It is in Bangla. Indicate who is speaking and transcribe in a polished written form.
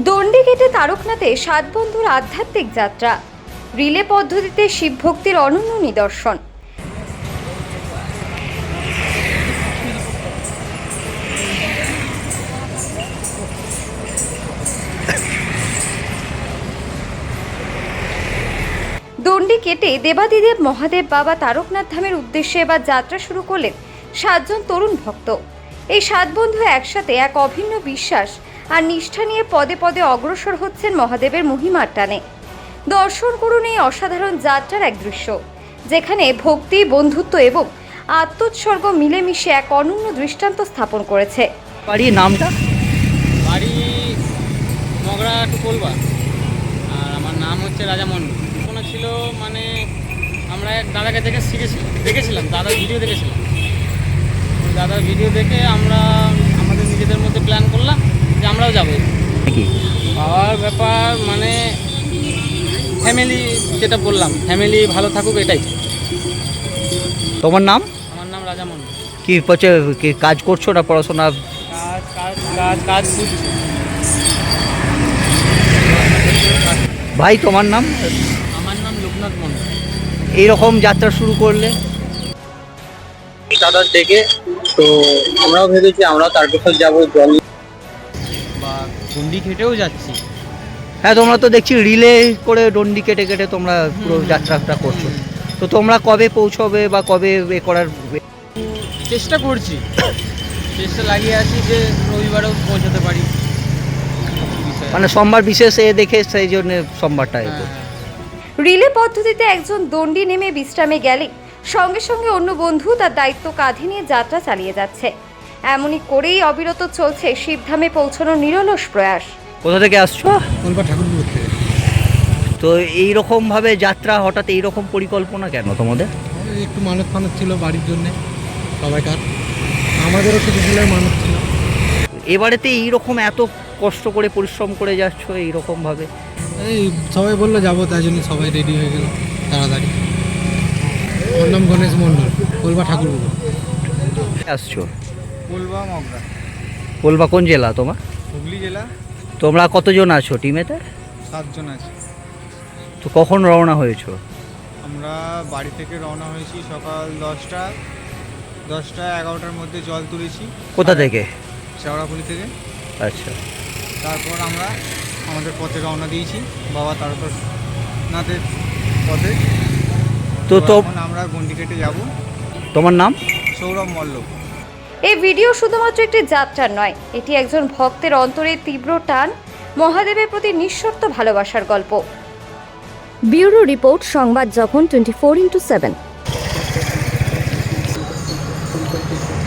Speaker 1: দণ্ডি কেটে তারকনাথে 7 বন্ধুর আধ্যাত্মিক যাত্রা, রিলে পদ্ধতিতে শিব ভক্তির অনন্য নিদর্শন। দণ্ডি কেটে দেবাদিদেব মহাদেব বাবা তারকনাথ ধামের উদ্দেশ্যে এবার যাত্রা শুরু করলেন 7 জন তরুণ ভক্ত। এই 7 বন্ধু একসাথে এক অভিন্ন বিশ্বাস আর নিষ্ঠা নিয়ে পদে পদে অগ্রসর হচ্ছেন মহাদেবের মহিমার টানে। দর্শন করুন এই অসাধারণ যাত্রার এক দৃশ্য, যেখানে ভক্তি, বন্ধুত্ব এবং আত্মোৎসর্গ মিলেমিশে এক অনন্য দৃষ্টান্ত স্থাপন করেছে।
Speaker 2: বাড়ির নামটা?
Speaker 3: বাড়ি মগরা টু কোলবা, আর আমার নাম হচ্ছে রাজা মন্ডল। কোনো ছিল মানে আমরা এক দাদাকে দেখেছিলাম দাদার ভিডিও দেখেছিলাম। ওই দাদার ভিডিও দেখে আমরা আমাদের নিজেদের মধ্যে প্ল্যান করলাম যে আমরাও যাবো।
Speaker 2: কি
Speaker 3: পাওয়ার ব্যাপার মানে ফ্যামিলি, যেটা বললাম ফ্যামিলি ভালো থাকুক, এটাই।
Speaker 2: তোমার নাম?
Speaker 3: আমার নাম রাজা মন্ডল।
Speaker 2: কি হচ্ছে, কি কাজ করছো না পড়াশোনা?
Speaker 3: কাজ কাজ কাজ কাজ করছি।
Speaker 2: ভাই তোমার নাম?
Speaker 3: আমার নাম লোকনাথ মন্ডল।
Speaker 2: এইরকম যাত্রা শুরু করলে
Speaker 4: দাদার দেখে তো আমরাও ভেবেছি আমরাও তারকেশ্বর যাবো, জল
Speaker 3: বা দণ্ডি খেটেও যাচ্ছি।
Speaker 2: হ্যাঁ, তোমরা তো দেখছি রিলে করে ডন্ডি কেটে কেটে তোমরা পুরো যাত্রাটা করছো। তো তোমরা কবে পৌঁছবে বা কবে এ করার?
Speaker 3: চেষ্টা করছি, চেষ্টা লাগিয়ে আছি যে রবিবারেও পৌঁছাতে পারি।
Speaker 2: মানে সোমবার বিশেষ এ দেখে সেই জন্য সোমবারটা এ করছো।
Speaker 1: রিলে পদ্ধতিতে একজন দণ্ডি নেমে বিশ্রামে গেলে সঙ্গে সঙ্গে অন্য বন্ধু তার দায়িত্ব কাঁধে নিয়ে যাত্রা চালিয়ে যাচ্ছে। এমনই করেই অবিরত চলছে শিবধামে পৌঁছানোর নিরলস প্রয়াস।
Speaker 2: কোথা থেকে আসছো?
Speaker 5: কোলবা ঠাকুরপুর থেকে।
Speaker 2: তো এইরকম ভাবে যাত্রা, হঠাৎ এইরকম পরিকল্পনা কেন তোমাদের?
Speaker 5: একটু মানত ফানত ছিল বাড়ির জন্যে, সবাইকার, আমাদেরও কিছু দিনের মানত ছিল।
Speaker 2: এবারেতে এইরকম এত কষ্ট করে পরিশ্রম করে যাচ্ছ এইরকম ভাবে?
Speaker 5: এই সবাই বললো যাবো, তাই জন্য সবাই রেডি হয়ে গেল তাড়াতাড়ি। আমার নাম গণেশ মণ্ডল, কোলবা ঠাকুরপুর।
Speaker 2: আসছো
Speaker 4: কোলবা মগরা,
Speaker 2: কোলবা কোন জেলা তোমার?
Speaker 4: হুগলি জেলা।
Speaker 2: তোমরা কতজন আছো টিমেতে?
Speaker 4: 7 জন আছে।
Speaker 2: তো কখন রওনা হয়েছো?
Speaker 4: আমরা বাড়ি থেকে রওনা হয়েছি সকাল 10টা 11টার মধ্যে জল তুলেছি।
Speaker 2: কোথা থেকে?
Speaker 4: শেওড়াফুলি থেকে।
Speaker 2: আচ্ছা,
Speaker 4: তারপর আমরা আমাদের পথে রওনা দিয়েছি বাবা তারকেশ্বরনাথের পথে।
Speaker 2: তো
Speaker 4: এখন আমরা গন্ডি কেটে যাব।
Speaker 2: তোমার নাম?
Speaker 4: সৌরভ মল্লক।
Speaker 1: এই ভিডিও শুধুমাত্র একটি যাত্রার নয়, এটি একজন ভক্তের অন্তরে তীব্র টান, মহাদেবের প্রতি নিঃশর্ত ভালোবাসার গল্প। ব্যুরো রিপোর্ট, সংবাদ যখন 24x7।